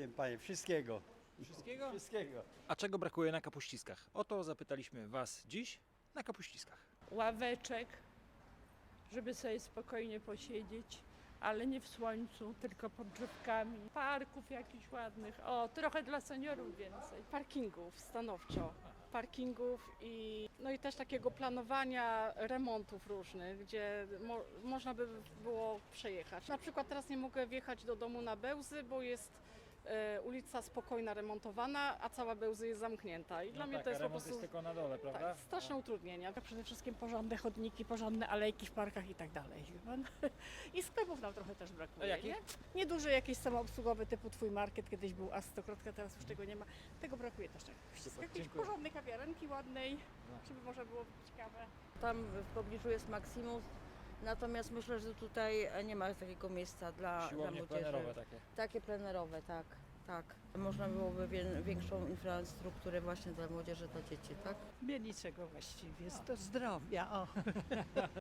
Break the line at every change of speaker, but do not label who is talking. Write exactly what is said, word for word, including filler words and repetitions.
wiem panie, wszystkiego.
Wszystkiego?
Wszystkiego.
A czego brakuje na Kapuściskach? O to zapytaliśmy Was dziś na Kapuściskach.
Ławeczek, żeby sobie spokojnie posiedzieć, ale nie w słońcu, tylko pod drzewkami. Parków jakichś ładnych. O, trochę dla seniorów więcej.
Parkingów stanowczo. Parkingów i, no i też takiego planowania remontów różnych, gdzie mo, można by było przejechać. Na przykład teraz nie mogę wjechać do domu na Bełzy, bo jest e, ulica Spokojna remontowana, a cała Bełzy jest zamknięta. I dla mnie to jest po prostu
tylko na dole, prawda?
tak, straszne utrudnienia.
Przede wszystkim porządne chodniki, porządne alejki w parkach i tak dalej. I sklepów nam trochę też
A
brakuje.
jakich?
Nie? Nieduży jakiś samoobsługowy typu Twój Market, kiedyś był A stokrotka, teraz już tego nie ma. Tego brakuje też czegoś. Jakiejś
dziękuję.
porządnej kawiarenki ładnej, żeby można było ciekawe.
Tam w pobliżu jest Maximus, natomiast myślę, że tutaj nie ma takiego miejsca dla, dla
Siłownie
młodzieży.
plenerowe takie.
Takie plenerowe, tak, tak. Można byłoby wie, większą infrastrukturę właśnie dla młodzieży, dla dzieci, tak?
Mnie niczego właściwie, do zdrowia, o.